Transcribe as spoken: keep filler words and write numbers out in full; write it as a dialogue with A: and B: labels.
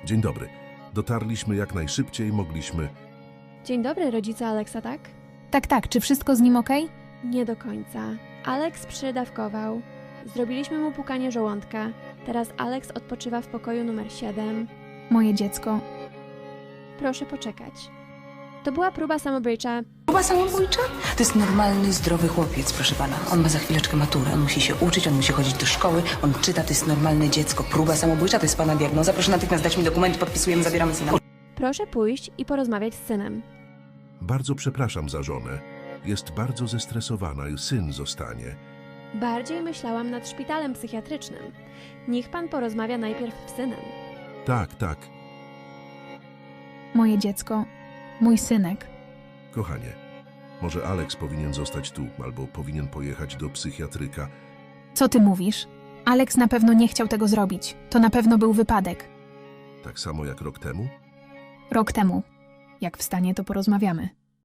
A: Dzień dobry. Dotarliśmy jak najszybciej mogliśmy.
B: Dzień dobry, rodzice Aleksa, tak?
C: Tak, tak, czy wszystko z nim okej?
B: Nie do końca. Aleks przydawkował. Zrobiliśmy mu pukanie żołądka. Teraz Aleks odpoczywa w pokoju numer siedem.
C: Moje dziecko.
B: Proszę poczekać. To była próba samobójcza.
D: Próba samobójcza? To jest normalny, zdrowy chłopiec, proszę pana. On ma za chwileczkę maturę, on musi się uczyć, on musi chodzić do szkoły, on czyta, to jest normalne dziecko. Próba samobójcza to jest pana diagnoza. Proszę natychmiast dać mi dokument, podpisujemy, zabieramy syna.
B: Proszę pójść i porozmawiać z synem.
A: Bardzo przepraszam za żonę. Jest bardzo zestresowana i syn zostanie.
B: Bardziej myślałam nad szpitalem psychiatrycznym. Niech pan porozmawia najpierw z synem.
A: Tak, tak.
C: Moje dziecko. Mój synek.
A: Kochanie, może Aleks powinien zostać tu, albo powinien pojechać do psychiatryka.
C: Co ty mówisz? Aleks na pewno nie chciał tego zrobić. To na pewno był wypadek.
A: Tak samo jak rok temu?
C: Rok temu. Jak wstanie, to porozmawiamy.